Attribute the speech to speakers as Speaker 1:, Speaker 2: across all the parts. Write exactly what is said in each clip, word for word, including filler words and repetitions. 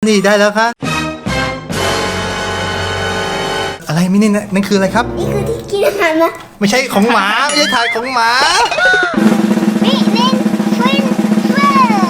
Speaker 1: นี่ได้แล้วครับอะไรมินี่นั่นคืออะไรครับ
Speaker 2: นี่คือที่กินอาหารนะ
Speaker 1: ไม่ใช่ของหมาไม่ใช่ถ่ายของหมา
Speaker 2: มินินฟินเฟอร์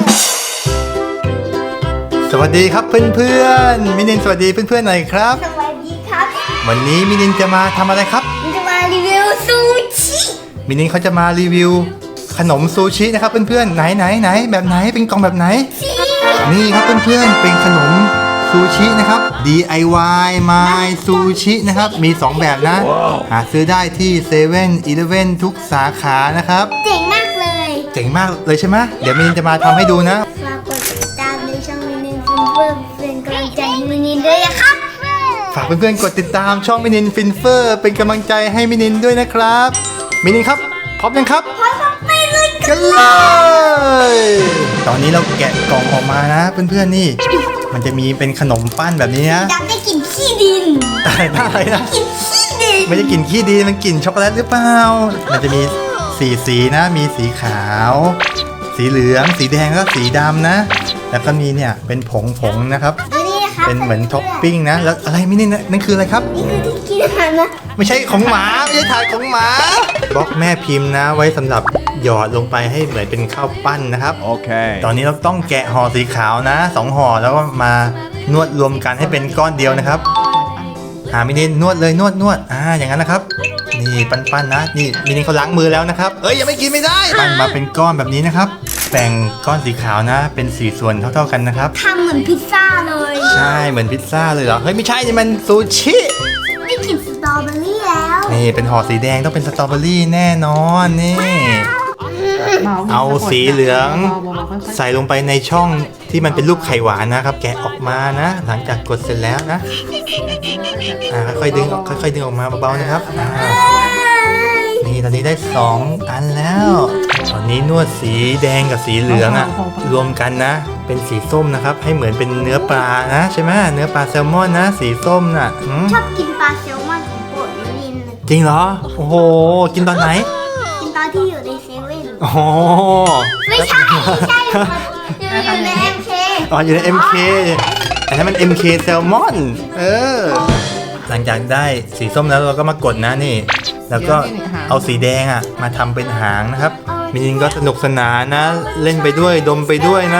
Speaker 1: สวัสดีครับเพื่อนๆมินินสวัสดีเพื่อนๆหน่อยครับ
Speaker 2: สวัสดีครับ
Speaker 1: วันนี้มินินจะมาทำอะไรครับ
Speaker 2: มินจะมารีวิวซูชิ
Speaker 1: มินินเขาจะมารีวิวขนมซูชินะครับเพื่อนๆไหนไหนไหนแบบไหนเป็นกล่องแบบไหนนี่ครับเพื่อนๆเป็นขนมซูชินะครับ ดี ไอ วาย My Sushi นะครับมีสองแบบนะ wow. หาซื้อได้ที่เซเว่นอีเลฟเว่นทุกสาขานะครับ
Speaker 2: เจ๋งมากเลย
Speaker 1: เจ๋งมากเลยใช่ไหมเดี๋ยวมินินจะมาทำให้ดูนะ
Speaker 2: ฝากกดติดตามในช่องมินินฟินเฟอร์เป็นกำลังใจให้มินินด้วยนะครับ
Speaker 1: ฝากเพื่อนๆกดติดตามช่องมินินฟินเฟอร์เป็นกำลังใจให้มินินด้วยนะครับมินินครับพร้อมยังครับ
Speaker 2: พร้อมไปเลย
Speaker 1: กันเลยตอนนี้เราแกะกล่องออกมานะเพื่อนๆนี่มันจะมีเป็นขนมปั้นแบบนี้นะ
Speaker 2: ดับได้กลิ่นขี้ดิน
Speaker 1: อะไรนะอะไรนะ
Speaker 2: กลิ่นขี้ดิน
Speaker 1: ไม่ใช่กลิ่นขี้ดินมันกลิ่นช็อกโกแลตหรือเปล่ามันจะมีสีสีนะมีสีขาวสีเหลืองสีแดงแล้วก็สีดำนะแล้วก็มีเนี่ยเป็นผงผงนะครับเป็นเหมือนท็อปปิ้งนะแล้วอะไรไม่นี่นั่นคืออะไรครับ
Speaker 2: นี่คือที่กินอาหารนะ
Speaker 1: ไม่ใช่ของหมาไม่ใช่ถ่ายของหมาบล็อกแม่พิมพ์นะไว้สำหรับหยอดลงไปให้เหมือนเป็นข้าวปั้นนะครับโอเคตอนนี้เราต้องแกะห่อสีขาวนะสองห่อแล้วก็มานวดรวมกันให้เป็นก้อนเดียวนะครับหามินินนวดเลยนวดนวดอ่าอย่างนั้นนะครับนี่ปั้นๆนะนี่มินินเขาล้างมือแล้วนะครับเอ้ยยังไม่กินไม่ได้ปั้นมาเป็นก้อนแบบนี้นะครับแบ่งก้อนสีขาวนะเป็นสี่ส่วนเท่าๆกันนะครับ
Speaker 2: ทำเหมือนพิซซ่าเลย
Speaker 1: ใช่เหมือนพิซซ่าเลยเหรอเฮ้ยไม่ใช่นี่มันซูชิ
Speaker 2: ได้กลิ่นสตรอเบอรี่แล้ว
Speaker 1: นี่เป็นห่อสีแดงต้องเป็นสตรอเบอรี่แน่นอนนี่เอาสีเหลืองใส่ลงไปในช่องที่มันเป็นรูปไข่หวานนะครับแกะออกมานะหลังจากกดเสร็จแล้วนะอ่าค่อยๆดึงค่อยๆดึงออกมาเบาๆนะครับอ่านี่ตอนนี้ได้สองอันแล้วตอนนี้นวดสีแดงกับสีเหลืองอ่ะรวมกันนะเป็นสีส้มนะครับให้เหมือนเป็นเนื้อปลานะใช่ไหมเนื้อปลาแซลมอนนะสีส้มน่ะ
Speaker 2: ชอบกินปลาแซลมอนของโปรดมินิน
Speaker 1: จริงเหรอโอ้โหกินตอนไหน
Speaker 2: กินตอนที่อยู่ในเซเว่น
Speaker 1: โอ้
Speaker 2: ไม่ใช่ไม่ใช่อยู่ใน เอ็ม เค
Speaker 1: อ๋ออยู่ใน เอ็ม เค อันนั้นมัน เอ็ม เค แซลมอนเออหลังจากได้สีส้มแล้วเราก็มากดนะนี่แล้วก็เอาสีแดงอ่ะมาทำเป็นหางนะครับมินินก็สนุกสนานนะเล่นไปด้วยดมไปด้วยนะ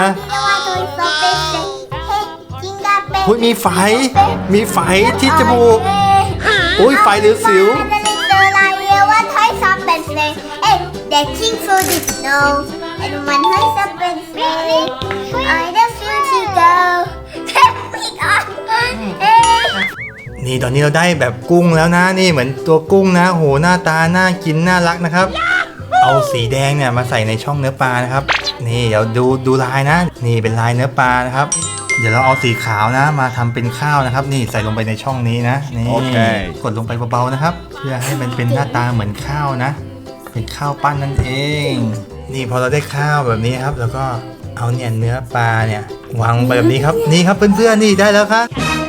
Speaker 1: อุ้ยมีไฟมีไฟที่จมูกอุ้ยไฟหรือสิว
Speaker 2: เด็กทิ้งฟูดิสโนไอ้มันให้ซับเป็นเฟรนไอ้เด็กฟูที่เกิลเทปปีกอ่ะ
Speaker 1: นี่ตอนนี้เราได้แบบกุ้งแล้วนะนี่เหมือนตัวกุ้งนะโหหน้าตาน่ากินน่ารักนะครับเอาสีแดงเนี่ยมาใส่ในช่องเนื้อปลานะครับนี่เดี๋ยวดูดูลายนะนี่เป็นลายเนื้อปลานะครับเดี๋ยวเราเอาสีขาวนะมาทำเป็นข้าวนะครับนี่ใส่ลงไปในช่องนี้นะนี่ okay. กดลงไปเบาๆนะครับเพื่อให้มันเป็นหน้าตาเหมือนข้าวนะเป็นข้าวปั้นนั่นเองนี่พอเราได้ข้าวแบบนี้ครับแล้วก็เอาเนี่ยเนื้อปลาเนี่ยวางไปแบบนี้ครับนี่ครับเพื่อนๆนี่ได้แล้วครับ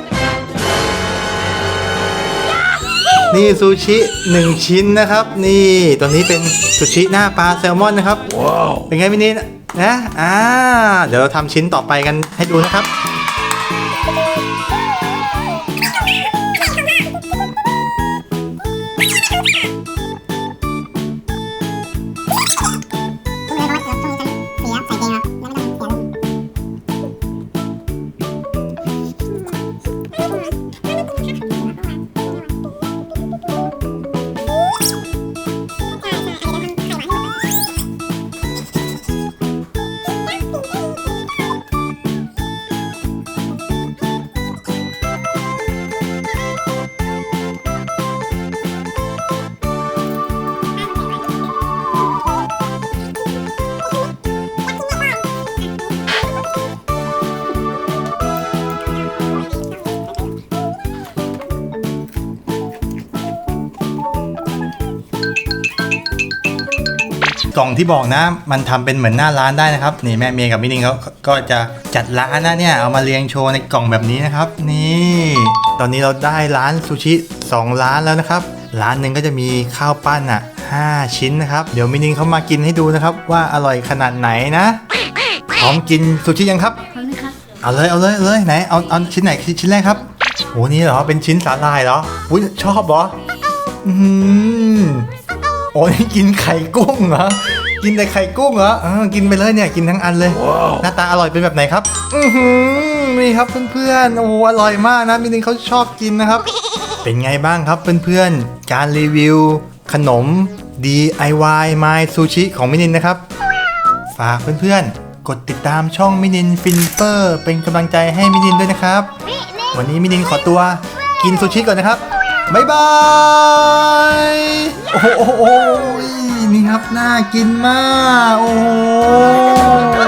Speaker 1: นี่ซูชิหนึ่งชิ้นนะครับนี่ตอนนี้เป็นซูชิหน้าปลาแซลมอนนะครับว้าวเป็นไงพี่นิดนะอ่าเดี๋ยวเราทำชิ้นต่อไปกันให้ดูนะครับกล่องที่บอกนะมันทำเป็นเหมือนหน้าร้านได้นะครับนี่แม่เมย์กับมินิงเขาก็จะจัดร้านนะเนี่ยเอามาเรียงโชว์ในกล่องแบบนี้นะครับนี่ตอนนี้เราได้ร้านซูชิสองร้านแล้วนะครับร้านหนึ่งก็จะมีข้าวปั้นอ่ะห้าชิ้นนะครับเดี๋ยวมินิงเขามากินให้ดูนะครับว่าอร่อยขนาดไหนนะพร้อมกินซูชิยังครับ
Speaker 2: พร้อมครับ
Speaker 1: เอเอาเลยเอาเลยเอาเลยไหนเอาเอาชิ้นไหนชิ้นแรกครับโอ้นี่เหรอเป็นชิ้นสาหร่ายเหรออุ้ยชอบเหรออืมโอ้นี่กินไข่กุ้งเหรอกินแต่ไข่กุ้งเหรอเออกินไปเลยเนี่ยกินทั้งอันเลย wow. หน้าตาอร่อยเป็นแบบไหนครับอือหือนี่ครับเพื่อนๆโอ้อร่อยมากนะมินินเขาชอบกินนะครับ เป็นไงบ้างครับเพื่อนๆการรีวิวขนม ดี ไอ วาย My Sushi ของมินินนะครับฝากเพื่อนๆกดติดตามช่องมินินฟินเฟอร์เป็นกำลังใจให้มินินด้วยนะครับวันนี้มินินขอตัวกินซูชิก่อนนะครับบ๊ายบายโอ้โหนี่ครับน่ากินมากโอ้